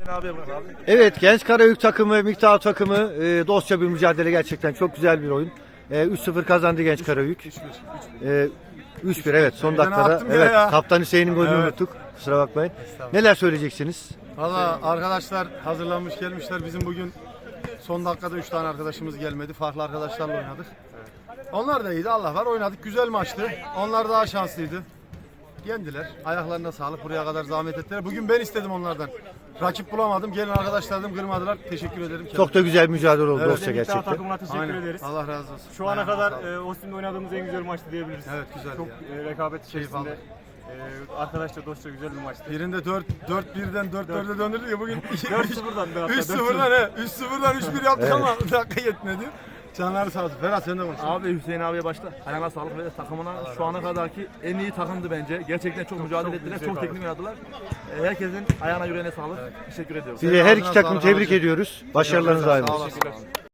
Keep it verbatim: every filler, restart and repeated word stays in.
Evet, Genç Karayük takımı, Miktar takımı e, dostça bir mücadele, gerçekten çok güzel bir oyun. E, üç sıfır kazandı Genç Karayük. E, üç bir evet, son dakikada. Evet, Kaptan Hüseyin'in golünü Evet. unuttuk. Kusura bakmayın. Neler söyleyeceksiniz? Valla arkadaşlar hazırlanmış gelmişler. Bizim bugün son dakikada üç tane arkadaşımız gelmedi. Farklı arkadaşlarla oynadık. Onlar da iyiydi. Allah var, oynadık. Güzel maçtı. Onlar daha şanslıydı. Yendiler. Ayaklarına sağlık. Buraya kadar zahmet ettiler. Bugün ben istedim onlardan. Rakip bulamadım. Gelin arkadaşlar dedim, kırmadılar. Teşekkür ederim. Çok da güzel mücadele oldu Evet, dostça gerçekten. Takımına teşekkür Aynen. ederiz. Allah razı olsun. Şu ana Ayağına kadar sağlık. e, Ostim'de oynadığımız en güzel maçtı diyebiliriz. Evet, güzel Çok ya. e, rekabet Keyif içerisinde. aldık. E, arkadaşlar dostça güzel bir maçtı. Birinde dört dört birden dört dörde döndürdük ya bugün. dört sıfırdan da hatta, üç sıfırdan he. üç sıfırdan üç bir yaptık ama dakika yetmedi. Canları sağ olsun. Ferhat sen de konuş. Abi Hüseyin abiye başta ayağına sağlık ve takımına şu ana kadarki en iyi takımdı bence. Gerçekten çok mücadele ettiler, çok teknik oynadılar. E, Herkesin ayağına yüreğine sağlık. Teşekkür ediyorum. Size her iki Ağzına takımı sağlık tebrik abicim. ediyoruz. Başarılarınız daim Sağ olsun. olasın.